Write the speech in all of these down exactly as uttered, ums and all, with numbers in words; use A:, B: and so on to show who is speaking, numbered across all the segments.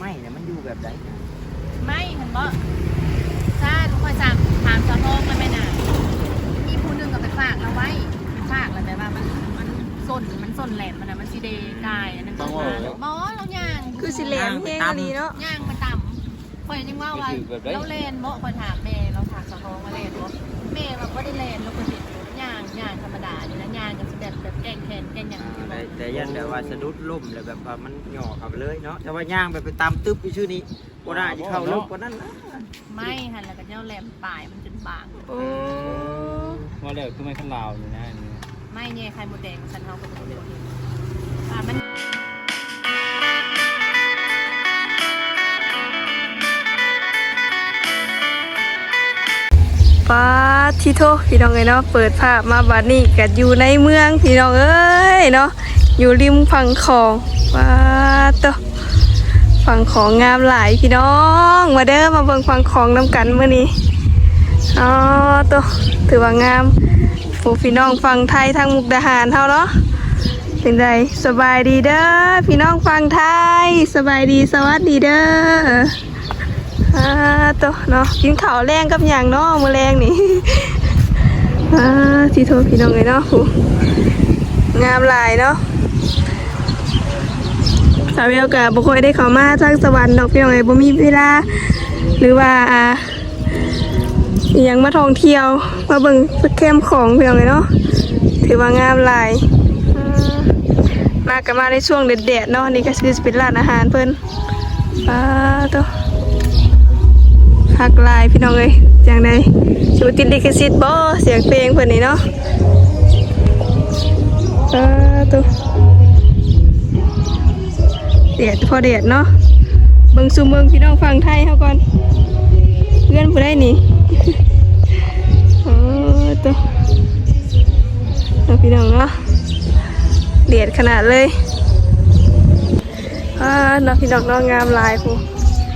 A: ไม่เนี่ยมันอยู่แบบไหน
B: ไม่เห็นบ่ถ้าทุกคนสั่งถามเจ้าทองแล้วไม่นานมีผู้หนึงก็ไปฝากเราไว้ฝากแล้วแต่ว่ามันมันส้นมันส้นแหลมมันนะมันสีเดกายอันนั้นก็มาหมอเราย่าง
C: คือสิแหลมแห้งดีเนาะ
B: ย่างมาต่ำคอยยังว่าว่าเราเลนบ่คอยถามแม่เราถามเจ้าทองมาเลนบ่แม่เราก็ได้เลนเราก็เห็นย่างย่างธรรมดานี่นะย่างกันแบบแบบแกงแขนแกงอย่างที่บอก
A: แต่ยันแบบว่าสะดุดล่มเลยแบบว่ามันหย่อขับเลยเนาะแต่ว่าย่างแบบไปตามตึ๊บอยู่ชื่อนี้ก็ได้จะเข้าลึกกว่านั้นนะ
B: ไม่หันแล้วก็เจ้าแหลมปลายมันจนบาง
C: โอ้
D: ว่าแล้วคือไม่ขั้นลาวอยู่นะ
B: ไม่เนี่ยไข่หมดแดงฉันเอาไปหมดเลยอ่ามัน
C: ป้าที่โทพี่น้องเอ้ยเนาะเปิดภาพมาบัดนี้ก็อยู่ในเมืองพี่น้องเอ้ยเนาะอยู่ริมฝั่งของป้าโตฝั่งของงามหลายพี่น้องมาเด้อมาเบิ่งฝั่งของน้ำกันมื้อนี้อ๋อโตถือว่างามผู้พี่น้องฝั่งไทยทางมุกดาหารเฮาเนาะเป็นไดสบายดีเด้อพี่น้องฝั่งไทยสบายดีสวัสดีเด้ออ่าตัวเนาะกินข้าวแรงกับอย่างเนาะมื้อแรงนี่อ่าที่โทษพี่น้องเลยเนาะงามหลายเนาะสาวเวลกับบุคคลได้เข้ามาทางสวรรค์ดอกพี่น้องเลยบ่มีเวลาหรือว่าอ่าอย่างมาท่องเที่ยวมาเบิ่งสแคมของพี่น้องเลยเนาะถือว่างามหลายมากันมาในช่วงเด็ดๆเนาะนี่ก็คือเป็นร้านอาหารเพิ่นอ่าตัวหักลายพี่น้องเลยอย่างไรชูติดลิขสิทธิ์บ่เสียงเพลงเพื่อนนี่เนาะอ่าตัวเดียดพอเดียดเนาะเบิ่งซูเมืองพี่น้องฟังไทยเขาก่อนเพื่อนผู้ได้นี่อ๋อตัวพี่น้องเนาะเดียดขนาดเลยอ่าน้องพี่น้องน้องงามลายผู้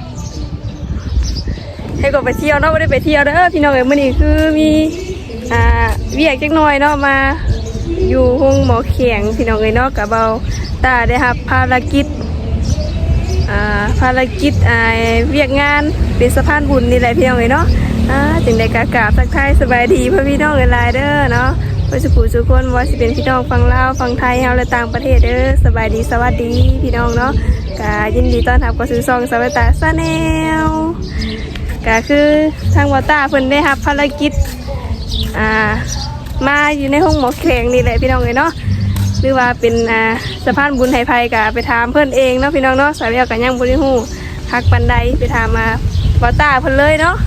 C: ให้ก็ไปเที่ยวเนาะไม่ได้ไปเที่ยวเด้อพี่น้องเอ๋ยมื้อนี้คือมีอ่าเวียกจักหน่อยเนาะมาอยู่ห้องหมอแข็งพี่น้องเอ๋ยเนาะกับเบาตาได้รับภารกิจอ่าภารกิจอ่าเวียกงานเป็นสะพานบุญนี่แหละพี่น้องเอ๋ยเนาะอ่าจึงได้กากราบทักทายสบายดีพ่อพี่น้องเอ๋ยหลายเด้อเนาะเพื่อสุขสุขคนว่าสิเป็นพี่น้องฝั่งลาวฝั่งไทยเฮาและต่างประเทศเด้อสบายดีสวัสดีพี่น้องเนาะก็ยินดีต้อนรับเข้าสู่ช่องสวัสดิ์ซาแนลก็คือทางวอต้าเพิ่นได้รับภารกิจอ่ามาอยู่ในห้องหมอแข็งนี่แหละพี่น้องเลยเนาะหรือว่าเป็นอ่าสะพานบุญไทยไพก็ไปถามเพิ่นเองเนาะพี่น้องเนาะสาวเรียวกันยังบ่ได้ฮู้ฮักปันใดไปถามมาวอต้าเพิ่นเลยเนาะ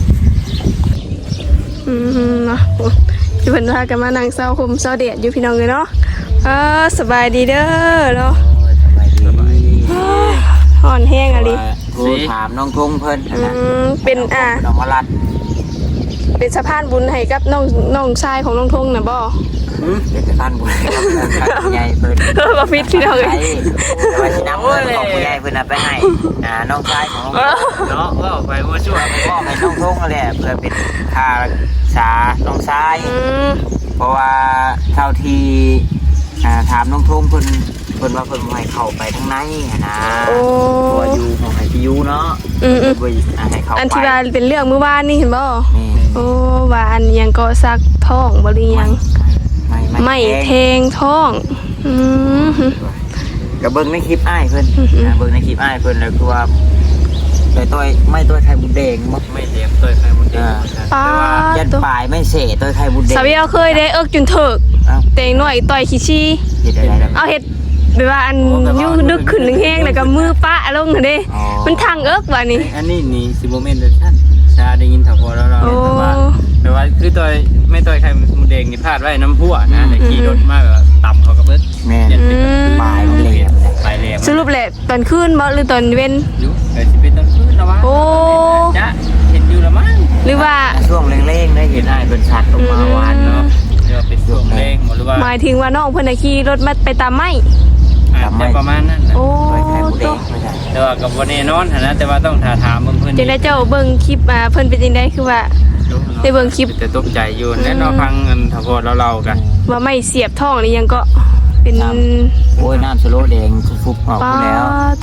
C: อืมเนาะเพิ่นพากันมานั่งเศร้าคมเศร้าเดดอยู่พี่น้องเลยเนาะเออสบายดีเด้อเนาะ
A: สบายดี
C: ห่อนแห้งอะไร
A: กูถามน้องทุ่งเพิ่นนะ
C: เป็นอ่า
A: น้องมาลัด
C: เป็นสะพานบุญให้กับน้องน้องชายของน้องทุ่งนะบ่
A: เป็นสะพานบุญใหญ่เพิ่น
C: เออบ่ฟิตพี่น้องเอ้ย
A: ว่าสินำเงินของผู้ใหญ่เพิ่นไปให้อ่าน้องชายของน้องเนาะว่าไปว่าช่วยพ่อให้น้องทุ่งนั่นแหละเพื่อเป็นค่ารักษาน้องชายเพราะว่าเท่าที่อ่าถามน้องทุ่งเพิ่นเพิ่นว่าเพิ่นให้เข้าไปข้างในนะตัวอยู่ของให้พี่ยูเนาะ
C: อืม
A: ให้เข้าไป
C: อันที่ว่าเป็นเรื่องเมื่อวานนี่เห็นบ่โอ้ว่าอันยังก็ซักท้องบ่หรือยังไม่แทงท้องอืม
A: ก็เบิ่งในคลิปอ้ายเพิ่นนะเบิ่งในคลิปอ้ายเพิ่นแล้วคือว่าต่อยต่อยไม่ต่อยไข่บุญแดงไม่เลี้ยงต่อยไข่บุญแดงแต่ว่ายันปลายไม่เสต่อยไข่บุญแดง
C: สาวเวียวเคยได้เอิกจนเถิกเตงหน่อยต่อยขี้ชี้เอาเฮ็ดแบบว่าอันยุ่งดึกขึ้นแห้งแล้วก็มือปะลงเด้มันทางเอิกว่านี่
D: อันนี้นี่สิโมเมนต์เดชั่นชาได้ยินถ้าพอแล้วเราแต่ว่าแต่ว่าคือต่อยไม่ต่อยไข่บุญแดงนี่พลาดไว้น้ำพั่วนะแต่ขี่รถมากแบบต่ำเขาก็เบิด
A: แม่ปลายมันเลย
D: ปลายเลย
C: สรุปแหละตอนคืนบ่หรือตอนเว้น
D: อยู่แต่สิเป็นตอนคืนนะวะ
C: โอ้
D: จะเห็นอยู่ละมั้ง
C: หรือว่า
A: ช่วงเร่งๆได้เห็นอ้ายเพิ่นชัดออกมาวานเนาะ
D: เดี๋ยวเป็นช่วงเร่งหรือว่า
C: หมายถึงว่าน้องเพิ่นขี่รถมาไปตามไม้
D: แต่ประมาณนั้น
C: โอ้
A: ตัว
D: แต่ว่ากับวันนี้นอนนะแต่ว่าต้องถามถามเพื่อน
C: จังได้เจ้าเบิ่งคลิปมาเพิ่นเป็นจังได๋คือว่าได้เบิ่งคลิป
D: แต่ตกใจอยู่แน่นอนฟังกันถ้าพอเราเรากัน
C: ว่าไม่เสียบท้องนี่ยังก็เป็น
A: โอ้ยน้ำสโลแดงฟุบๆออกแล้ว
C: ตัว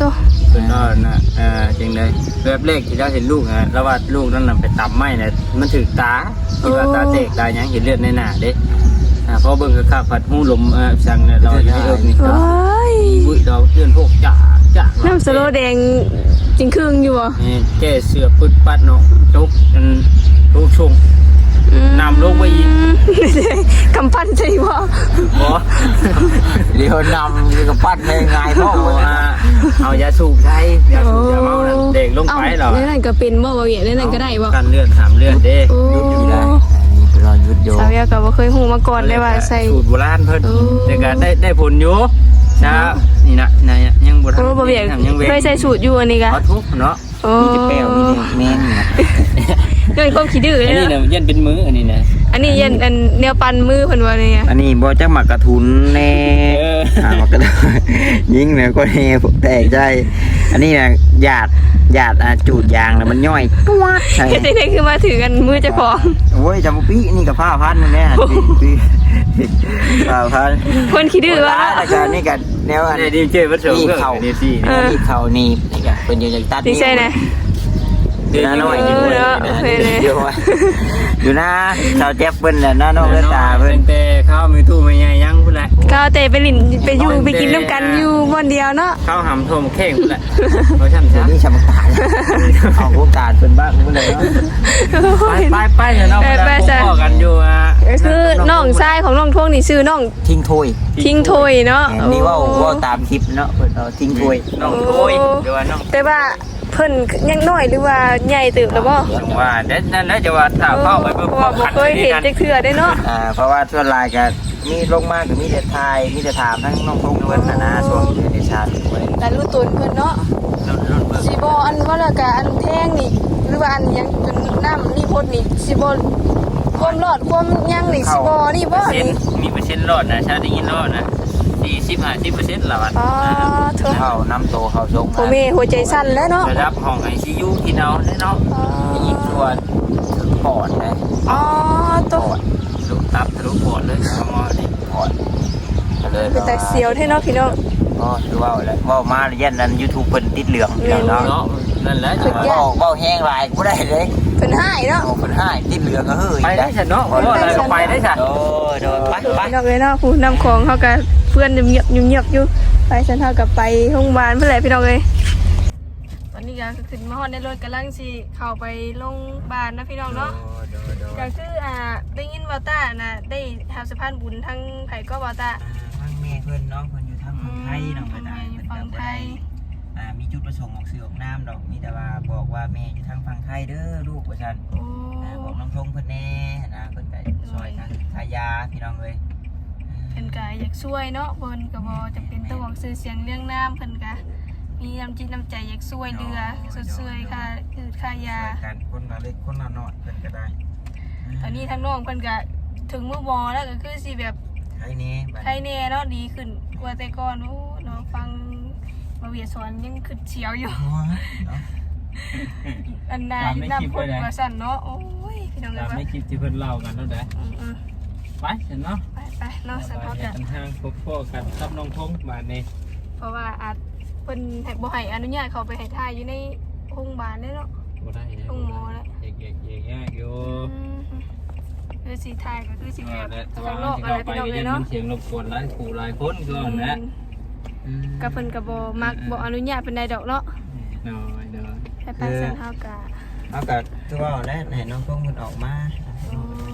D: สุดยอดนะเออจริงเลยแบบแรกที่เราเห็นลูกนะแล้วว่าลูกนั่นน่ะไปตำไม้เนี่ยมันถึกตาที่ว่าตาเตกตายังเห็นเลือดในหน้าเด้อ่าพอเบิ่งก็ข้าผัดหูลมเออสั่งเนี่ยเราอยู่ในเอิบนี่ก็
C: ว้าย
D: บุ้ยเราเพื่อนพวกจ่าจ่า
C: น้ำสโลแดงจริงครึ่งอยู่บ่
D: นี่แก้เสือปึดปัดเนาะทุกอันทุกช่วง นำลงไปอีก
C: กำปั้นใช่บ่
D: บ่
A: เดี๋ยวนำนี่ก็ปัดง่ายๆพ่อ
D: เอาอ่ะเอายาสูบใช้ยาสูบยาเมาน่ะเด็กลงไปเหรอ
C: เล่นนั่นก็เป็นบ่บ่เวียเล่นนั่นก็ได้บ่
D: กันเลือดหามเลือดเด้
C: โอ้
A: ยุดอยู่ได้นี่เป็นรอยยุดโย
C: สาวเวียก็บ่เคยฮู้มาก่อนเลยว่าใส่
D: สูตรโบราณเพิ่น
C: โอ้
D: แต่ก็ได้ได้ผลอยู่ช้านี่นะนายยังบ่ทัน
C: โอ้บ่เวีย
D: ยังเว้
C: เคยใส่สูตรอยู่อันนี้ก็
D: ขอทุกเนาะ
C: โอ้
A: มีแต่แป้วมีแต่แม่นนะ
C: เกินความขี้ดื้อ
D: อัน
C: เลย
D: นี้
C: เนาะ
D: เนี่ยยันเป็นมืออันนี้นะ
C: อันนี้ยันอันแนวปันมือเพิ่นว่านี่ไง
A: อันนี้บ่จักหมักกระทุนแน่
D: เออ
A: อ่าหมักกระทุนยิงเนี่ยก็แน่แตกใจอันนี้นะหยาดหยาดอ่าจูดยางแล้วมันย่อยตัวใช่
C: เฮ็ดจังได๋คือมาถือกันมือเจ้าของ
A: โอ้ยจำปีนี่กับผ้าพันนึงแน่ปีปีผ้าพัน
C: คนขี้ดื้อว่า
A: แล้วก็นี่ก็แนวอัน
D: ได้ดีเจวัดเสริม
A: นี่
D: เพื่อน
A: เข่า
D: ดีสิ
C: เออ
A: นี่เข่านี่นี่ก็เป็นอยู่อย่างตัด
C: ดีใจนะ
A: เดี๋ยวน้อย
C: เออเนาะโอเคเลย
A: เดี๋ยวอยู่นะชาวแจ๊บเพิ่นน่ะน้าน้องเลือดตาเพิ่น
D: แต่ข้าวมีตู้ไม่ใหญ่ยังพุ่นแหละ
C: ก็เตะไปลินไปอยู่ไปกินน้ำกันอยู่บ่อนเดียวเนาะ
D: ข้าวหำโทมเข่งพุ่นแหละเพราะฉัน
A: เดี๋ย
D: ซะ
A: วนี้ชาวตาเอาพวกตาเพิ่นบ้างเพิ่นเลยเนาะ
D: ไปไปไปเดี๋ยวเราไปพ่อกันอยู่อ่ะ
C: คือน้องชายของน้องทงนี่ชื่อน้อง
A: ทิ้งถ้วย
C: ทิ้งโทยเนาะ
A: แหมนี่ว่าว่าตามคลิปเนาะเพิ่นเอาทิ้งถ้วย
D: น้องโอยเดี๋ยวว่าน้อง
C: แต่ว่าเพิ่นยังน้อยหรือว่าใหญ่ตื่นแล้วบ่
D: จังว่าเด็ดนั่นแหละจะว่าถ้าเข้าไปเพื่อ
C: เพราะว่าบ่เคยเห็นจักเทื่อได้เนาะ
A: อ่าเพราะว่าส่วนหลายก็มีลงมาก็มีแต่ทายมีแต่ถามทั้งน้องพงเพิ่นน่ะนะช่วงอยู่ในชาติเพิ่น
C: แต่รู้ตนเพิ่นเนาะ
D: รุ่นรุ่นเบิ่ง
C: สิบ่อันว่าแล้วก็อันแท่งนี่หรือว่าอันหยังจนน้ำนี่พ่นนี่สิบ่ความรอดความยังนี่สิบ่นี่บ่
D: เปอร์เซ็น
C: นี่
D: ต์มีเปอร์เซ็นต์รอดนะชาติยินรอดนะสี่สิบห้าสิบเปอร์เซ็นต์ละวัน
C: อ๋อเถอะ
A: เข้าน้ำโตเข้าทรง
C: โอเมหัวใจสั่นแล้วเนาะ
D: ระดับห้องไอซียูที่เราเนาะ
C: อ๋อ
A: อีกตัวปอดนะ
C: อ๋อ
A: ป
C: ตัว
A: อด
D: ทะลุตับทะลุปอดเลยเอามาดิ
A: ปอดก็เลย
C: เป็นแต่เสียวแท้เนาะพี่น้อง
A: ก็คือว่าอะไรว่ามาเย็นนั้น YouTube เพิ่นติดเหลืองเดี๋ยวเนาะ
D: เนาะนั่นแหละ
C: สุดยอด
A: เว้าแห้งหลายบ่ได้เลย
C: เพิ่นหายเนาะ
A: เอาเพิ่นให้ติดเหลืองก็เฮ้ย
D: ไปได้ฉันเนาะเพราะว่าอะไรก็ไปได้ฉัน
A: โดยโดยไปไป
C: พี่น้องเอ้ยเนาะผู้นำของเฮาก็เพื่อนเงียบๆเงียบๆอยู่ไปฉันเฮาก็ไปโรงพยาบาลเพิ่นแหละพี่น้องเอ้ยตอนนี้ก็ขึ้นมาฮอดในรถกำลังสิเข้าไปโรงพยาบาลนะพี่น้องเนาะ ก็คืออ่าได้ยินว่าต้าน่ะได้ทำสะพานบุญทั้งไผก็ว่าต้า
A: ทางแม่เพิ่นเนาะเพิ่นอยู่ทางฝั่งไทยเนาะเพิ่นน่ะ
C: อยู่
A: เพิ่น
C: ฝั่
A: ก็
C: ง
A: บ่
C: ไท
A: ได้
C: ย
A: อ่ามีจุดประสงค์ออกสื่อออกน้ำดอกมีแต่ว่าบอกว่าแม่อยู่ทางฝั่งไทยเด้อลูกว่าซั่น
C: โอ้
A: อ่าบอกน้องทงเพิ่นแน่นะเพิ่นก็ซอยทางทายาพี่น้องเอ้ย
C: เพิ่นก็อยากช่วยเนาะเพิ่นก็บ่จำเป็นต้องบอกชื่อเสียงเรื่องน้ำเพิ่นก็มีน้ำจิตน้ำใจอยากช่วยเหลือสดช่วยค่าคือค่ายา
A: ช่วยกันคนละเล็กคนละน้อยเพิ่นก็ได้
C: ตอนนี้ทางน้องเพิ่นก็ถึงมื้อบ่แล้วก็คือสิแบบ
A: ไทยนี่บัด
C: ใครแน่เนาะดีขึ้นกว่าแต่ก่อนโอ้เนาะฟังมาเวียสอนยังขึ้นเฉียวอยู่
A: โอ้ยเนาะ
C: อันนาอยู่น้ำพ่นกว่าสั่นเนาะโอ้ยพี่น้องเอ้
D: ตาย ม
C: ว่า
D: ในคลิปที่เพิ่นเล่ากันเนาะเด้
C: อืม
D: ไปฉันเนาะ
C: ๆไปไปเนาะสันเฮาก็
D: ทางพบพ่อกันกับน้องทงมานี่
C: เพราะว่าอาจเพิ่นให้บ่ให้อนุญาตเขาไปให้ถ่ายอยู่ในโรงพยาบาลได้เนาะ
D: บ่ได้นะ
C: ต้องหมอแล้ว
D: เอกๆๆยากอยู่
C: คือสีถ่ายก็คือสี
D: เอ
C: แบ
D: อบ แต่ถ้า
C: ข้างน
D: ว่า
C: อก
D: สิ
C: อะไร
D: เข้าไป
C: พี่น้องเลยเนาะ
D: ก็ยังมันเสียงรบกวนหลายคู่หลายคนก่อนนะ
C: กับเพิ่นก็บ่มักบ่อนุญาตเป็นใดดอกเนาะ
D: น้อยเด้อ
C: ให้ไปสันเฮากะ
A: เอาก็คือว่าแล้วให้น้องทงเพิ่นออกมา
C: โอ้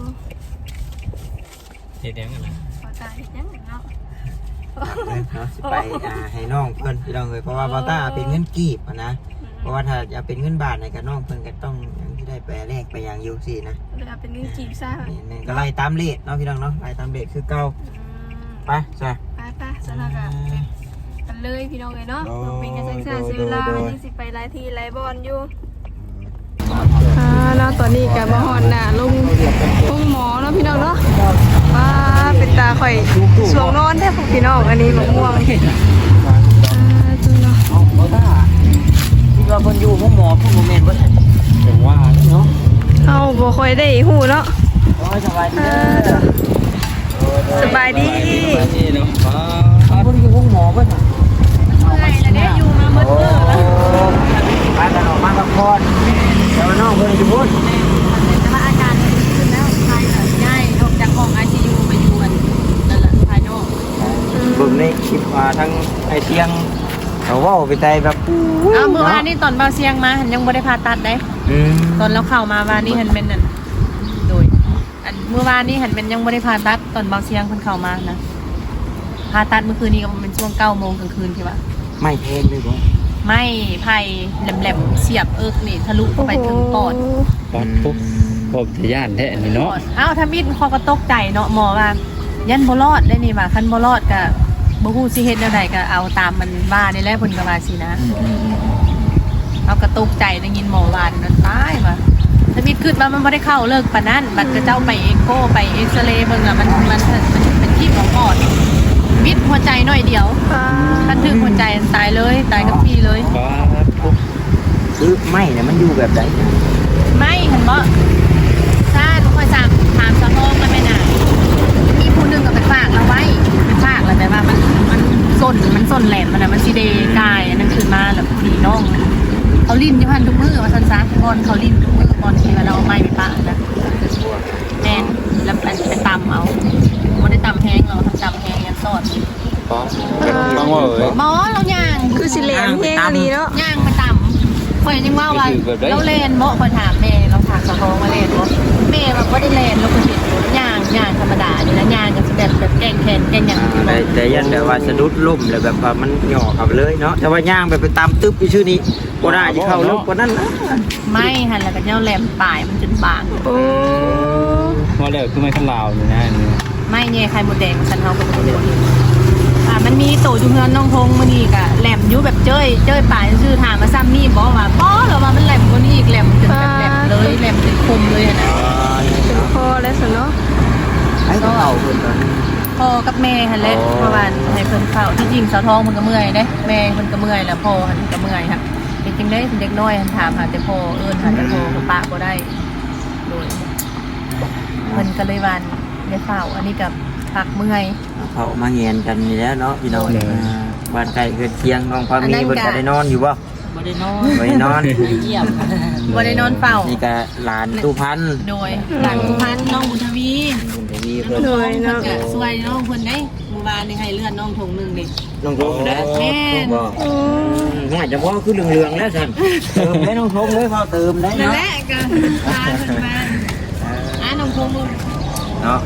D: เฮ็ดหยังกันล่ะ
C: ขอตาเฮ็ดหยังเนาะ
A: เนาะสิไปอ่าให้น้องเพิ่นพี่น้องเอ้ยเพราะว่าบ่ต้าเป็นเงินกีบอะนะเพราะว่าถ้าจะเป็นเงินบาทเนี่ยก็น้องเพิ่นก็ต้องยังที่ได้ไปแลกไปอย่างอยู่สินะ
C: เดี๋ยวเป็นเงินจีบซะ
A: นี่นี่ก็ไล่ตามเลทเนาะพี่น้องเนาะไล่ตามเลทคือเก่าไปจ้ะ
C: ไปไปสันเฮากะกันเลยพี่น้องเลยเนาะ
A: โอ้
C: บ่เป็นกันซ่าๆเสียเวลา
A: โดย
C: วันนี้สิไปหลายที่หลายบ่อนอยู่อ่าเนาะตอนนี้ก็มาฮอดหน้าลุงลุงหมอเนาะพี่น้องเนาะว้าเป็นตาข่อยสวงนอนแท้พวกพี่น้องอันนี้บักม่วงอ่าจุเนาะ
A: เอาบ่ต้าที่ว่าเพิ่นอยู่ห้องหมอเพิ่นบ่แม่นบ่ใช่
D: จังว่าเนาะ
C: เฮาบ่ค่อยได้ฮู้เนาะ
A: โอ้ยสบายดี
C: อ่า
A: เด้อ
C: สบายดี
D: นี่เนาะ
A: เพิ่นอยู่ห้องหมอเพิ่นน่ะ
C: เมื่อย
B: แล้วเด้อยู่มาหมดมือแล้ว
A: พากันออกมาพักผ่อนแต่ว่าน้องเพิ่นอยู่พุ่น
B: แต่ว่าอาการดีขึ้นแล้วภายหลังง่ายออกจากห้องไอซียูไปอยู่กันนั่นแหละภายนอก
A: เบิ่งในคลิปว่าทั้งไอ้เสียงเขาเว้าไปไตแบบ
B: อ้าวเมื่อวานนี่ตอนเบาเสียงมาหันยังไม่ได้ผ่าตัดได้
A: อืม
B: ตอนเราเข้ามาวานนี่หันเป็นนั่นโดยอันเมื่อวานนี่หันเป็นยังไม่ได้ผ่าตัดตอนเบาเสียงคนเข้ามานะผ่าตัดเมื่อคืนนี้ก็เป็นช่วงเก้าโมงกลางคืนใช่ปะ
A: ไม่เพลงเลยบ่
B: ไม่ไผ่แหลมๆเสียบเอิกนี่ทะลุเข้าไปถึงปอด
D: ปอดปุ๊บผมจะย่านแท้นี่เนาะ
B: อ้าวถ้ามิดเขาก็ตกใจเนาะหมอว่ายันบ่รอดได้นี่ว่าคันบ่รอดก็บ่ฮู้สิเฮ็ดแนวใดก็เอาตามมันว่านี่แหละเพิ่นก็ว่าสินะเอาก็ตกใจได้ยินหมอว่านั่นตายว่าถ้ามิดคิดว่ามันบ่ได้เข้าเลิกปานนั้นบัดก็เจ้าไปเอ็กโกไปเอ็กซเรย์เบิ่งอ่ะมันมันมันเป็นที่ของปอดมิดหัวใจหน่อยเดียวถ้าถึงหัวใจตายเลยตายกับพี่เลย
D: ปอดปุ๊บ
A: คือไม่เนี่ยมันอยู่แบบไหน
B: ไม่เห็นบ่ซาทุกคนสั่งถามสะท้องมันไม่นานมีผู้หนึงก็ไปฝากเราไว้ไปฝากแล้วแต่ว่ามันมันส้นมันส้นแหลมมันน่ะมันสิเดกายอันนั้นขึ้นมาแล้วพอดีน้องเขาลิ้นอยู่พันทุกมือว่าซั่นซะบอนเขาลิ้นทุกมือบอนที่ว่าเราเอาไม้ไปปะนะแม่นแล้วไปไปตำเอาบ่ได้ตำแห้งเราทำตำแห้งยันซอด
D: ปอดต้องว่าเอ้ย
B: หมอเราย่าง
C: คือสิแหลมแห้งอะไรเนาะ
B: ย่างมาตำข่อยยังว่าว่าเราเล่นบ่ข่อยถามแม่เราถามสะท้องว่าเล่นบ่แม่แบบบ่ได้เล่นเราก็เห็นอยู่ย่างย่างธรรมดานี่นะย่างก็สิแบบแบบแกล้งแขนแกล้งหยัง
A: แต่แต่ยันแบบว่าสะดุดล่มแล้วแบบว่ามันหย่อเข้าไปเลยเนาะแต่ว่าย่างแบบไปตามตึ๊บอยู่ชื่อนี้บ่ได้จะเข้าลึกกว่านั้นนะ
B: ไม่หันแล้วก็เจ้าแหลมปลายมันจนบาง
C: โอ้
D: ว่าแล้วคือไม่ขันลาวอยู่นะอันนี้
B: ไม่แง่ไข่มดแดงสันเฮาก็บ่ได้เห็นอ่ามันมีโตอยู่เฮือนน้องทงมื้อนี้ก็แหลมอยู่แบบเจ้ยเจ้ยปลายซื่อถามมาซ้ำนี่บ่ว่าบ่หรอว่ามันแหลมกว่านี้อีกแหลมจนแบบแหลมเลยแหลมจนคมเลยอะนะ
C: เป็นคอแล้วสิเนาะ
A: ไอ้ต้องเอาเพิ่นก่อน
B: พ่อกับแม่หั่นแหละเพราะว่าให้เพิ่นเข้าที่จริงสาวทองมันก็เมื่อยเด้แม่เพิ่นก็เมื่อยแล้วพ่อหันก็เมื่อยค่ะเด็กจังได้เด็กน้อยหันถามหาแต่พ่อเอิ้นหาแต่พ่อก็ปะบ่ได้โดยเพิ่นก็เลยว่าได้เฝ้าอันนี้กับพักเมื่อย
A: เขามาเงียนกันนี่แล้วเนาะพี่น้องบ้านไกลเกินเคียงน้องพามีเพิ่นก็ได้นอนอยู่บ่
B: บ่ได้นอน
A: บ่ได้นอน
B: เยี่ยมบ่ได้นอนเฝ้า
A: นี่ก็หลานตู้พันธุ์
B: โดยหลังสุพรรณน้องบุญทวี
A: บุญทวีเพิ่น
C: โดย
B: เพิ่น
C: เนาะ
B: ก็ช่วยน้องเพิ่นได้เมื่อวานนี่ให้เลื่อนน้องถงหนึงนี่
A: น้องทงนะ
B: แม่น
A: บ่ง่ายจะบ่คือเหลืองๆแล้วซั่นเติมได้น้องทงเลยพอเติมได้
B: นั่น
A: เนาะ
B: แหละก็พาเพิ่นมาอ่าน้องถงมึง
A: เนาะ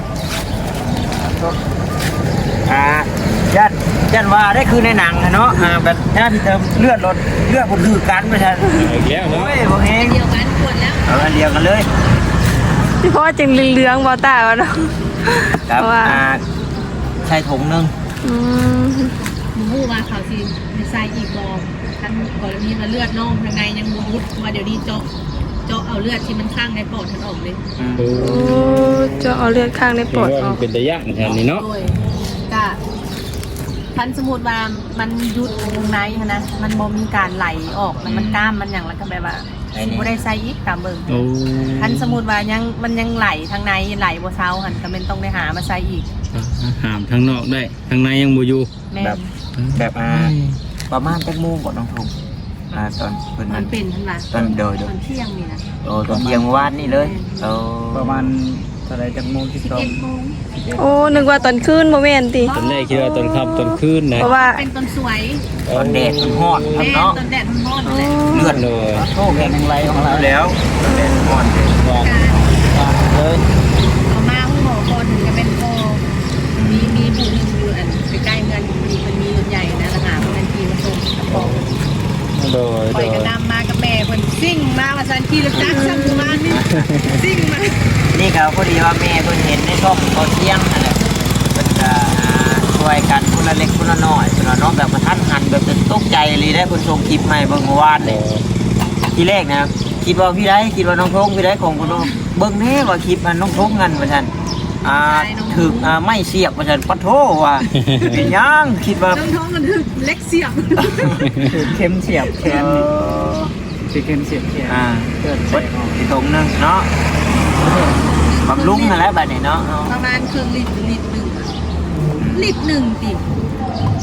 A: อ่ายันยันว่าได้คือในหนังอะเนาะอ่าแบบหน้าที่เติมเลือดรถเลือดบนคือกันไปซั่น
D: อีกแล้วเนาะ
A: โอ้ยบ่แฮง
B: เดียวกันปวดแล้ว
A: เอาอันเดียวกันเลย
C: ที่พ่อจึงเหลืองๆบ่ตาวะเนาะ
A: ครับ
C: ว่า
A: อ่าใส่ถุงหนึง
C: อืม
B: หมูฮู้ว่าเขาสิมีใส่อีกบ่คันกรณีว่าเลือดน้องข้างในยังบ่ยุดว่าเดี๋ยวนี้เจาะเจาะเอาเลือดที่มันข้างในปอดมันออกเลย
A: อืม
D: โอ้
C: โอ้จะเอาเลือดข้างในปอดออก
D: เป็นตะย่านแทนนี่เนาะ
B: โดยก็คันสมมุติว่ามันยุดข้างในหั้นนะมันบ่มีการไหลออกแล้วมันกล้ามมันหยังแล้วก็แบบว่า
A: ไอ้นี่
B: บ่ได้ใส่อีกตามเบิ่ง
D: โอ้
B: คันสมมุติว่ายังมันยังไหลทางในไหลบ่เซาหันก็เป็นต้องได้หามาใส่อีก
D: หามทั้งนอกได้ทั้งในยังบ่อยู่
B: แม่น
A: แบบแบบอ่าประมาณจักโมงก่อนน้องทงอ่าตอนเพิ่น
B: มั
A: นั้น น
B: เป็นทั้งว่า
A: ตอนเดิน
B: ตอนเที่ยงนี่นะ
A: โอ้ตอนเที่ยงเมื่อวานนี่เลยโอ้
E: ประมาณเท่าไรจากโมงที่สอง
B: เอ็ดโมง
C: โอ้นึกว่าตอนคืนบ่แม่นติ
D: ตอนแรกคิดว่าตอนค่ำตอนคืนนะ
C: เพราะว่า
B: เป็นต้นสวย
A: ตอนแดดมันฮ้อนครั
B: แม่
A: บเนาะ
B: ต้นแดดมันร้อนนั่นแหละ
A: เลือด
D: เลย
E: โชคแห่งไรของเรา
A: แล้วตอนแดดฮ้อน
D: ว่า
B: การ
A: เลย
B: เอามาผู้หมอคนถึงจะเป็นโคมีมีผู้หนึงอยู่อันใกล้ๆเงินมีมันมีรถใหญ่นะราคาเพิ่นทีมาส่งกระป๋อง
D: โดย
B: ปล่
D: โด
B: อย
D: ย
B: กระนำมากับแม่เพิ่นซิ่งมาว่าซั่นขี่รถจักรซั่นประมาณนี้ซิ่งมา
A: นี่ก็พอดีว่าแม่เพิ่นเห็นในช่องตอนเที่ยงนั่นแหละเพิ่นก็อ่าช่วยกันคนละเล็กคนละน้อยคนละน้องแบบมาทันหันแบบตกใจเลยได้คนส่งคลิปมาให้เบิ่งเมื่อวานเลยทีแรกนะคิดว่าพี่ได้คิดว่าน้องทงพี่ได้ของคนน้องเบิ่งแน่ว่าคลิปมันน้องทงกันว่าซั่นอ่าถึกอ่าไม่เสียบว่าซั่นปะโทว่าเป็นหยังคิดว่า
B: น้องท้องกันถึกเล็กเสียบ
E: คือเข้มเสียบแขนนี่คือเข้มเสียบแขน
A: อ่า
E: เกิด
A: เบิดอีกตรงหนึงเนาะบำรุงนั่นแหละบัดนี้เนาะ
B: ประมาณครึ่งลิตรลิตรหนึงอะลิตรหนึงติ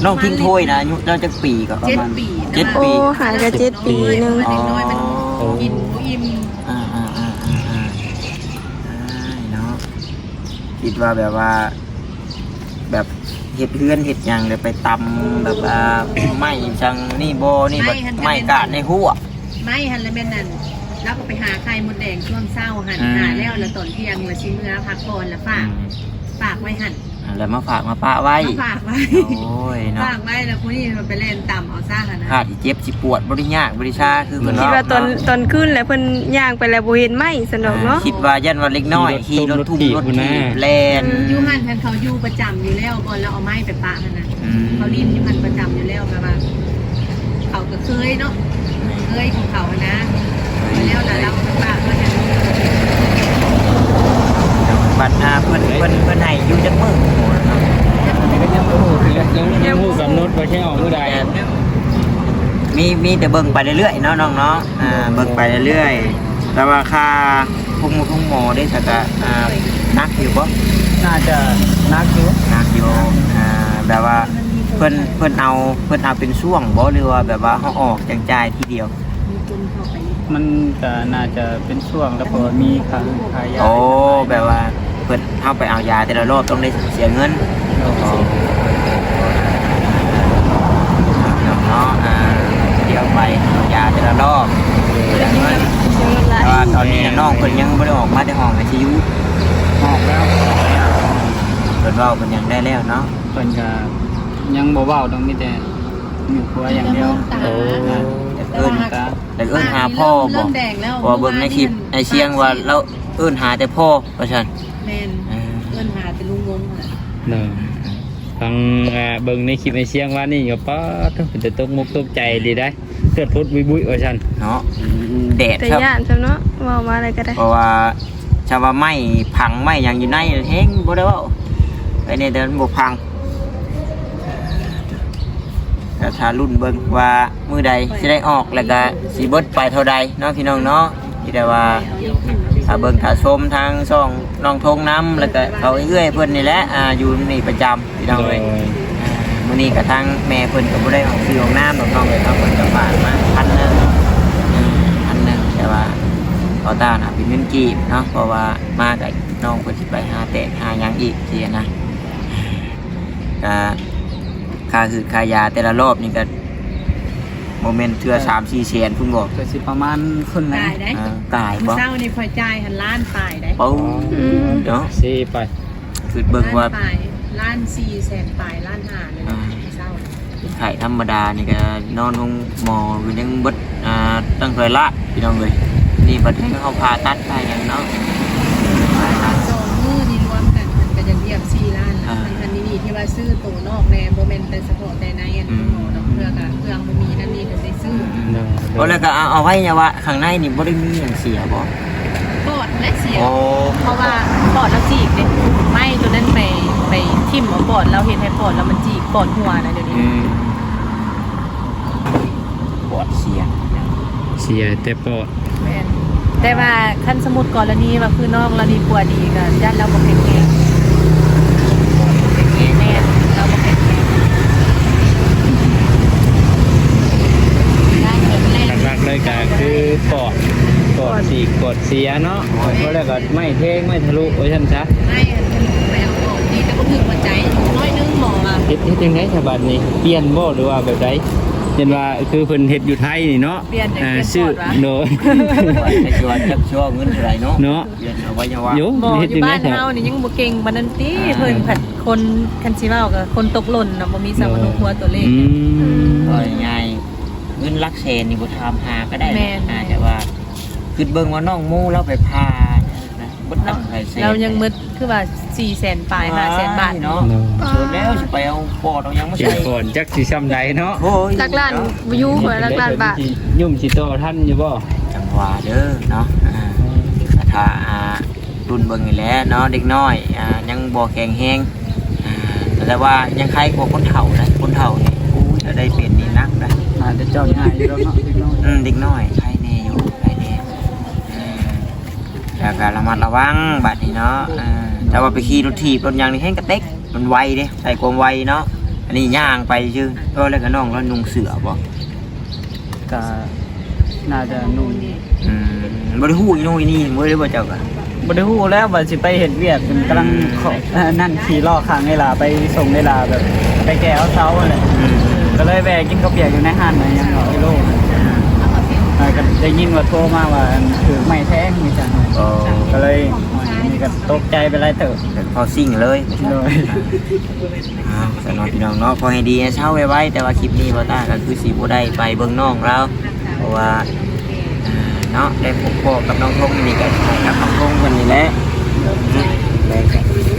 A: น้องทิ้งถ้วยนะอายุเราจะปีก็ประ
B: เจ็ด
A: มาณ
B: ปี
A: เจ็ด
C: โอ้
A: ปี
C: หายก็เจ็ดปีหนึง
B: เด็กน้อยมันกินบ่อิ่ม
A: อ่าอ่าอ่าอ่าอ่าเนาะคิดว่าแบบว่า แบบเห็ดเฮือนเห็ดหยังเลยไปตำแบบว่าไม่จังนี่โบนี่แบบไม่กาดในหัว
B: ไม่หันแล้วแม่นนั่นแล้วก็ไปหาไข่มดแดงช่วงเศร้าหัน
A: อืม
B: หาแล้วแล้วตอนเที่ยงแล้วชิเมื่อพักก่อนแล้วฝากฝากไว้หัน
A: แล้วมาฝากมาปะไว้
B: มาฝากไว้
A: โอ้ยเนาะ
B: ฝากไว้แล้วพวกนี้มันไปเล่นต่ำเอาซ่าหันนะ
A: ขาดที่เจ็บสิปวดบริยากบริชาคือเหมือน
C: คิด
A: เรา
C: ว่าตอนตอนขึ้นแล้วเพิ่นย่างไปแล้วบ่เห็นไหมสนุกเนาะ
A: คิดว่ายันว่าเล็กน้อยขี่รถทุ่มรถถีบแลน
B: ยูหันทันเขาอยู่ประจำอยู่แล้วก่อนแล้วเอาไม้ไปปะหันนะ
A: อืม
B: เขารีบยูหันประจำอยู่แล้วแบบว่าเขาก็เคยเนาะเคยของเขาอะนะแล้วแล้วเราไปปะเพื่อนเนี่ย
A: บัดอาเพิ่นเพิ่นเพิ่นให้อยู่จักมื้อโอ้เนาะ
E: ก็ยังบ่ฮู้คือยังยังฮู้กำหนดว่าแค่ออกมื้อใด
A: มีมีแต่เบิ่งไปเรื่อยๆเนาะน้องเนาะอ่าเบิ่งไปเรื่อยๆแต่ว่าค่าพุ่งหมูพุ่งหมอได้สักอะอ่านักอยู่บ่
E: น่าจะนักอยู่
A: นักอยู่อ่าแบบว่าเพิ่นเพิ่นเอาเพิ่นเอาเป็นช่วงบ่หรือว่าแบบว่าเฮาออกจังจ่ายทีเดียว
B: มีจนเข้าไป
E: มันก็น่าจะเป็นช่วงแล้วพอมีค่าค่ายา
A: โอ้แบบว่าเพิ่นเฮาไปเอายาแต่ละรอบต้องได้เสียเงิน
E: โอเค
A: เนาะอ่าเดี๋ยวไปเอายาแต่ละรอบเสียเงินแต่ว่าตอนนี้น้องเพิ่นยังบ่ได้ออกมาแต่ห้อง ไอ ซี ยู
E: ออกแล้ว
A: เพิ่นเว้าเพิ่นยังได้แล้วเนาะ
E: เพิ่นก็ยังบ่เว้าต้องมีแต่มีครัวอย่างเดียว
A: โอ้แต่เอิ้น
E: ตา
A: แต่เอิ้นหาพ่อบ่
B: เริ่มแดงแล้ว
A: เพราะว่าเบิ่งในคลิปในเสียงว่าเราเอิ้นหาแต่พ่อว่าซั่น
B: แมนเพื่อนหาแต่ลุงงงน่ะ
E: เนาะทางอ่าเบิ่งในคลิปในเสียงว่านี่ก็ป๊าดเป็นแต่ตกมุกตกใจดีได้เกิดพุดบุยๆว่าซั่น
A: เนาะแดด
C: แต่
A: ครับ
C: ย่านซะเนาะเว้ามาอะไรก็ได้
A: เพราะว่าชาวว่าไม้พังไม้หยังอยู่ในแฮงบ่ได้เว้าไอ้นี่เดินบ่พังก็ถ้ารุ่นเบิ่งว่ามื้อใดสิได้ออกแล้วก็สิเบิดไปเท่าใดเนาะพี่น้องเนาะที่ได้ว่าถ้าเบิ่งถ้าชมทางช่องน้องทงน้ำแล้วก็เขาเอื้อยเพิ่นนี่แหละอ่าอยู่นี่ประจำพี่น้องเอ้ย อ่ามื้อนี้กระทั่งแม่เพิ่นก็บ่ได้ออกซื้อของน้ำดอกน้องเลยเนาะเพิ่นก็ฝากมาพันหนึงอืมพันหนึงแต่ว่าเอาตาน่ะเป็นเงินกีบเนาะเพราะว่ามากับน้องเพิ่นสิไปหาแตกหาหยังอีกสินะก็ค่าคือค่ายาแต่ละรอบนี่ก็โมเมนต์เทื่อ สามสี่แสนพุ่นบ่
E: ก็สิประมาณครึ่งนึง
B: ตายได้
A: อ่ากายบ่
B: เศร้านี่คอยจ่ายหันล้านปลายได้
A: เป้าเนาะ
E: สิไป
A: คือเบิ่งว่า
B: ล้านปลายล้านสี่แสนปลายล้านห้าเลยนะเศร้า
A: ไข่ธรรมดานี่ก็นอนห้องหมอก็ยังเบิดอ่าตั้งแต่ละพี่น้องเลยนี่บัดให้เขาผ่าตัดไปอย่างเนาะ
B: สองมือนี่รวมกันมันก็จะเรียบสี่ล้านแล้วมันอันนี้นี่ที่ว่าซื้อตัวนอกแนโมเมนต์แต่เฉพาะแต่ในอันนี้หมอเนาะเพื่อกับเครื่องมันมีนั่นนี่ก็ได้ซื้อ
A: โอ้แล้วก็เอาเอาไว้เนี่ยว่าข้างในนี่บ่ได้มีอย่างเสียบ่
B: ปอดและเสีย
A: โอ้
B: เพราะว่าปอดเราจีกเนี่ยไม่ตัวนั้นไปไปทิ่มเอาปอดเราเห็นให้ปอดแล้วมันจีกปอดหัวนะเดี๋ยวนี้
A: อืมปวดเสีย
E: เสียแต่ปอด
B: แม่นแต่ว่าขั้นสมุดกรณีว่าคือนอกกรณีปัวดีกันญาติเราบอกแข็งแรงแม่นเราบอกแข็งแรงได้เกิดแรง
E: หลักๆเลยก็คือปอดปอดสีกปอดเสียเนาะเพราะแล้วก็ไม่เท่งไม่ทะลุโอ้ยท่านซะ
B: ไม่อันเป็นแมวปอดดีแต่ก็ถึงหัวใจน้อยนึงหมออ่ะ
E: เฮ็ดเฮ็ดจังได๋ฉบับนี้เปลี่ยนบ่หรือว่าแบบใดเห็นว่าคือเพิ่นเฮ็ดอยู่ไทยนี่เนาะ
B: เปลี่ยนเดี๋ยว
E: อ่า
B: เปลี่ยน
E: ชื่อ
B: ปอดวะ
E: โดย
A: ไอ้ชัวร์จับชัวร์เงินเท่าไหร่เนาะ
E: เนาะ
A: เรียนเอาไว้เนี่ยว่า
E: โย
B: หมอ
E: เฮ็ด
B: อยู่
E: จังได๋
B: บ้าน
E: แท้
B: เฮานี่ยังบ่เก่งปานนั้นติเพิ่นผัดคนคันสิเว้าก็คนตกหล่นน่ะบ่มีสมนุหัวตัวเลข
E: อืม
A: ก็ง่ายๆเงินลักแสนนี่บ่ทำหาก็ได้
B: แม่น
A: อาจจะว่าคือเบิ่งว่าน้องหมู่เราไปพานะบ่ตั้งใจแสน
B: เรายังมึดคือว่าสี่แสนปลายห้าแสนบาท
A: เนาะ
B: เนาะ
A: เสร็จแล้วสิไปเอาปอดเอาหยังมา
E: เก็บ
A: ใส่
E: ก่อนจักสิซ้ำใดเนาะ
A: โอ้ย
C: หลักล้านอยู่หัวหลักล้านบาท
E: ยุ่มสิโตท่านอยู่บ่
A: จังหวะเด้อเนาะอ่าถ้าอ่ารุ่นเบิ่งนี่แหละเนาะเด็กน้อยอ่ายังบ่แข็งแรงอ่าแต่ว่ายังใครกว่าคนเฒ่านะคนเฒ่านี่อู้ยจะได้เป็นนี่นักนะ
E: อาจจะเจ้าง่ายอยู่แล้วเนาะพี่น้อง
A: อืมเด็กน้อยใครแน่อยู่ใครแน่อืมแล้วก็ระมัดระวังบัดนี้เนาะอ่าแต่ว่าไปขี่รถถีบรถยางนี่แห้งกระเต็กมันไวเด้ใส่ความไวเนาะนนี้ย่างไปชื่อเออแล้วก็น้องแล้วนุ่งเสือบ่
D: ก็น่าจะนุ่ม
A: อืมบ่ได้ฮู้อีโน่อีนี่บ่ได้บ่เจ้าก็
D: บ่ได้ฮู้แล้วว่าสิไปเฮ็ดเวียกกำลังขอเอ่อนั่นขี่ล้อข้างเวลาไปส่งเวลาแบบไปแก้เอาเช้าอะไร
A: อืม
D: ก็เลยแวะกินข้าวเปียกอยู่ในห้างนะยังเอากิโลเอ่อก็ได้ยินว่าโทรมาว่าถือไม้แท้งมีจัง
A: โอ้
D: ก็เลยนี่ก็ตกใจไปหลายเติบ
A: เป็นพอซิ่งเลย
D: เลย
A: อ้าวสนอพี่น้องเนาะพอให้ดีให้เช้าไว้ๆแต่ว่าคลิปนี้บ่ตาก็คือสิบ่ได้ไปเบิ่งน้องเราเพราะว่าอ่าเนาะได้พบพ่อกับน้องทงนี่ก็กับน้องทงคนนี้แหละอืมได้ครับ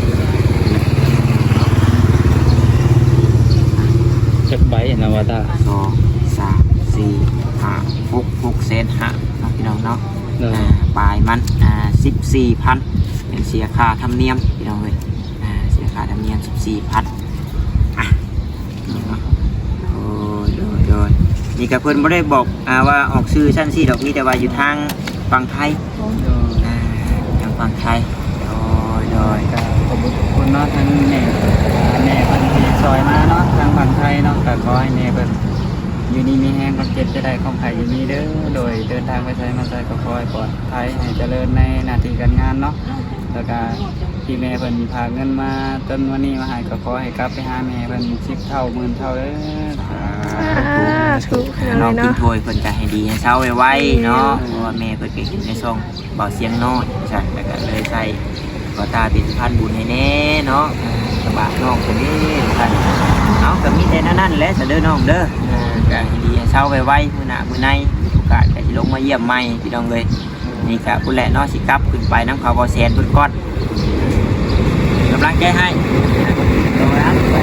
E: จักใบนะว่าตา
A: สองสามสี่ห้าหกหกเซนฮะเนาะพี่น้องเนาะ
E: เนาะ
A: อ่าปลายมันอ่าสิบสี่พันเป็นเสียค่าธรรมเนียมพี่น้องเลยอ่าเสียค่าธรรมเนียมสิบสี่พันอ่ะเนาะโอ้ยโดยโดยนี่กับเพื่อนไม่ได้บอกอ่าว่าออกซื้อชั้นสี่ดอกนี้แต่ว่าอยู่ทางฝั่งไทยอ่าทางฝั่งไทยโดยโดย
D: ก็ขอบคุณเนาะทั้งแม่แม่เพิ่นที่ซอยมาเนาะทางฝั่งไทยเนาะก็ขอให้แม่เพิ่นอยู่นี่มีแห้งความเจ็บจะได้ของไข่อยู่นี่เด้อโดยเดินทางไปใช้มาใช้ก็ขอให้ปลอดภัยให้เจริญในหน้าที่การงานเนาะแล้วก็ที่แม่เพิ่นพาเงินมาจนวันนี้มาให้ก็ขอให้กลับไปหาแม่เพิ่นสิบเท่าหมื่นเท่าเด้อ
C: อ่าถูก
A: น้อง
C: เลย
A: กิน
C: เนาะ
A: ถ้วยเพิ่นก็ให้ดีให้เช้าไว้ๆเนาะเพราะว่าแม่เพิ่นก็เห็นในซองเบาเสียงน้อยใช่แล้วก็เลยใส่ก็ตาเป็นพันบุญให้แน่เนาะกระบะน้องคนนี้ท่านเอาก็มีแต่นั่นๆแหละจะเด้อน้องเด้อเออก็ให้ดีให้เช้าไว้ๆมื้อหน้ามื้อในมีโอกาสก็สิลงมาเยี่ยมใหม่พี่น้องเลยนี่ก็พุ่นแหละเนาะสิกลับขึ้นไปน้ำเขาบ่แซนเพิ่นก่อนกำลังใจให้โดยอันไป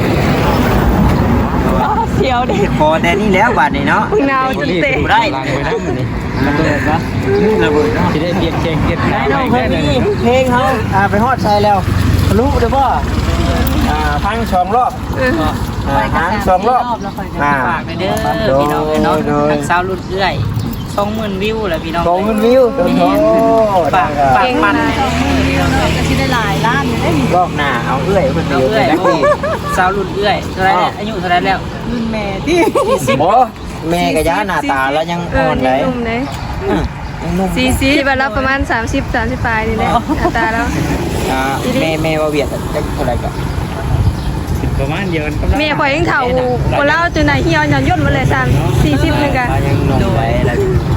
C: เสียวเด็ก
A: พอแต่นี่แล้วบาดนี้เนาะ
C: พึ่งนาวจนเตะ
A: ได้
E: ล้างไว้นำนี่
D: ระเบิดปะ
A: ระเบิดเนาะ
E: สิได้เปลี่ยนแข่งเก็บ
A: ไอ้น้องเพลงนี้เพลงเขาอ่าไปฮอดใส่แล้วรู้เด้อบ่อ่าพังสองรอบ
C: เออ
A: อ่าพังสองรอบอ่า
F: ฝากเด้อพี่น้องเนาะทางสาวรุ่นเอื้อยสองหมื่นวิวแล้วพี่น้อง
A: สองหมื่นวิวโอ้โห
F: ฝากฝากมันพี่น้องเลย
B: ก็สิได้หลายล้านอยู่ได้
A: รอบหน้าเอาเอื้อยเพิ่นไป
F: เอา
A: อยู่
F: เอื้อย
A: จักปี
F: สาวรุ่นเอื้อยเท่าไรแล้วอายุเท่าไรแล้ว
B: รุ่นแม่ที่
A: บ่แม่ก็ย่าหน้าตาแล้วยัง
C: เอ
A: อ่
C: อ
A: อน
C: ยั
A: เล
C: ง
A: ย
C: หนุ่มเลย
A: อืมยังหนุ่ม
C: สี่สิบแล้วประมาณสามสิบสามสิบปลายนี่แหละหน้าตาแล้ว
A: อ่าแม่แม่ว่าเวียดจักเท่าไหร่ก็
E: ประมาณเดียวกันกับ
C: เมียข่อยยังเฒ่าคนเล่าจนไหนเหี่ยวหย่อนย่นมาเลยสามสี่สิบนึงกัน
A: ยังหนุ่มไว้แล้ว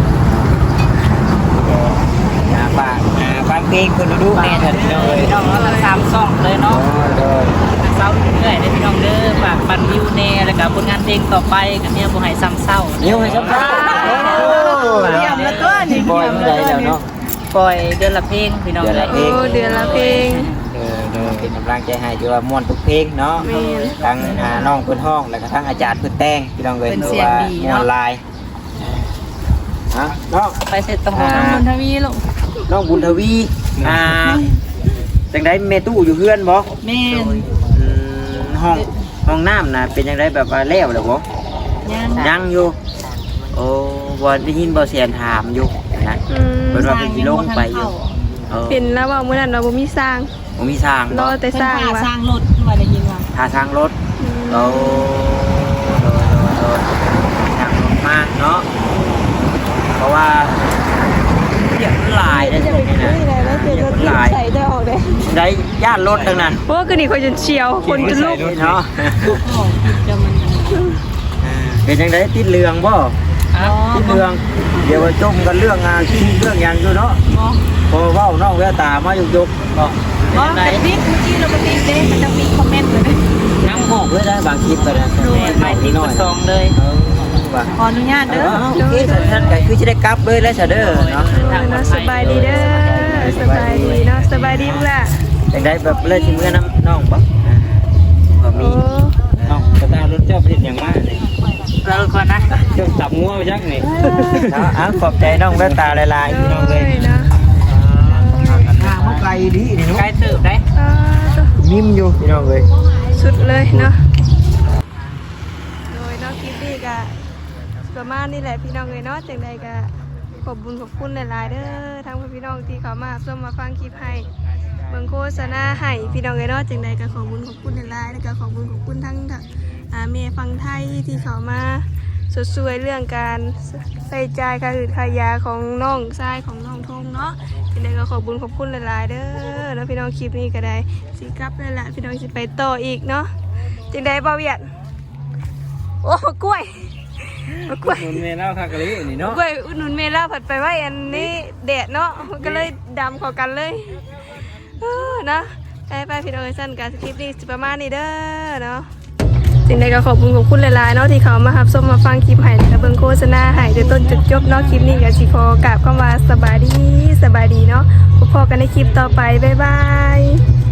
A: อ่าฝากอ่าฟังเพลงเพิ่นดูแน่เถิดพี่น้องเอ้ย
F: พี่น้องเนาะทั้งสามซ่องเลยเนาะ
A: เด้อ
F: ทางสาวรุ่นเอื้อยเด้อพี่น้องเด้อฝากปันวิวแน่แล้วก็ผลงานเพลงต่อไปกันเนี่ยบ่ให้ซ้ำเศร้า
A: นิ้วให้สัมภาษณ์เยี่ยมแล้วก็นี่บอยเมื่อไรแล้วเนาะ
F: ปล่อยเดือนละเพลงพี่น้อง
A: เดือน
F: เล
A: ละ
F: ย
A: เพล
C: โอ้เดือนละเพลง
A: เออเออเป็นกำลังใจให้ที่ว่าม่วนทุกเพลงเนาะ
C: แม่น
A: ทั้งอ่าน้องเพิ่นห้องแล้วก็ทั้งอาจารย์เพิ่นแต่งพี่น้องเอ้ยคือว่าม่วนลายฮะน้อง
F: ไปเสร็จต้อง
A: อ่า
B: บุญทวีลูก
A: น้องบุญทวีอ่าจังได๋แม่ตู้อยู่เฮือนบ่
F: แม่น
A: อืมห้องห้องน้ำน่ะเป็นจังไดแบบว่าแล้วแล้วบ่
B: ย่าง
A: ยังอยู่โอ้บ่ได้ยินบ่เสียงถามอยู่นะ
C: อืม
A: เพิ่นว่าเพิ่นสิลงไปอยู่เออ
C: เป็นแล้วว่ามื้อนั้นเราบ่มีสร้าง
A: บ่มีสร้าง
C: รอ
A: บ่
C: แต่
B: เป็น
C: สร้าง
B: ผ่า
C: ว่ะ
B: สร้างรถว่าได้ยินว่า
A: ท่าทางรถ
C: อืม
A: เราโดนโดนโดนทางรถมากเนาะเพราะว่าเรียกหลายได้ตรงนี้นะเรียกหลาย
C: ใส่ได้ออกได้
A: ได้ญาติรถดังนั้น
C: เพราะว่าคือนี่เขาจนเฉียวคนจนลุก
A: เนาะ
B: โอ้เดี๋ยวมัน
A: เป็นยังไงติดเรื่องบ่
F: อ๋อ
A: ติดเรื่องเดี๋ยวว่าจมกันเรื่องงานที่เรื่องหยังอยู่เนาะ
B: บ่
A: พอเว้าน้องแววตามายุกยุกเนาะ
B: บ่แต่ติ๊กเมื่อกี้เราก็ติ๊กเด้มันจะมีคอมเมนต์เลย
A: น้ำหอกเลยได้บางคลิปไปนะ
F: แม่ไม่ติดกระซองเลย
A: เออว่า
B: ขออนุญาต
A: เอ
B: เด้อ
A: อโอเคท่านก็คือจะได้กลับเลยแล้วเสยเด้อเนาะ
C: เออเนาะสบายดีเด้อสบายดีเนาะสบายดีพุ่นล่ะ
A: จังได้แบบเลยที่เมื่อน้ำน้องปะพอ
C: โอ้
A: มีน้องกระตารถเจ้าเป็นอย่างมากเลย
F: เราก่อนนะ
E: เจ้าจับงัวไปจักนี่
A: เนาะอ่ะขอบใจน้องแว่นตาลายๆพี่น้องเลย
C: เนาะ
A: ทางมาไกลดีนี่
F: ใกล้
A: เนาะ
F: สืบได้
C: อ่าตัว
A: นิ่มอยู่พี่น้องเลย
C: สุดเลยเนาะโดยเนาะคลิปนี้ก็ประมาณนี้แหละพี่น้องเลยเนาะจังใดก็ขอบบุญขอบคุณหลายๆเด้อทั้งพี่น้องที่เขามาร่วมมาฟังคลิปให้เบิ่งโฆษณาให้พี่น้องเลยเนาะจังใดก็ขอบบุญขอบคุณหลายๆแล้วก็ขอบบุญขอบคุณทั้งอ่าเมย์ฟังไทยที่เขามาสดสวยเรื่องการใส่ใจค่าอืดค่ายาของน้องชายของน้องทงเนาะเป็นไงก็ขอบคุญขอบคุณหลายๆเด้อแล้วพี่น้องคลิปนี้ก็ได้สิกลับเลยละพี่น้องสิไปต่ออีกเนาะจึงได้เบาเวียดโอ้มากล้วยมากล้วย
D: มันเมล่าคักกะลินี่เนาะ
C: กล้วยอุดหนุนเมล่าผัดไปไว้อันนี้แดดเนาะมันก็เลยดำเข้ากันเลยเออนะไปไปพี่น้องสั้นการคลิปนี้สิประมาณนี้เด้อเนาะสิ่งใดก็ขอบคุณขอบคุณหลายๆเนาะที่เขามารับชมมาฟังคลิปให้และเบิ่งโฆษณาให้จนต้นจุดจบเนาะคลิปนี้ก็สิขอกราบเข้ามาสบายดีสบายดีเนาะพบกันในคลิปต่อไปบ๊ายบาย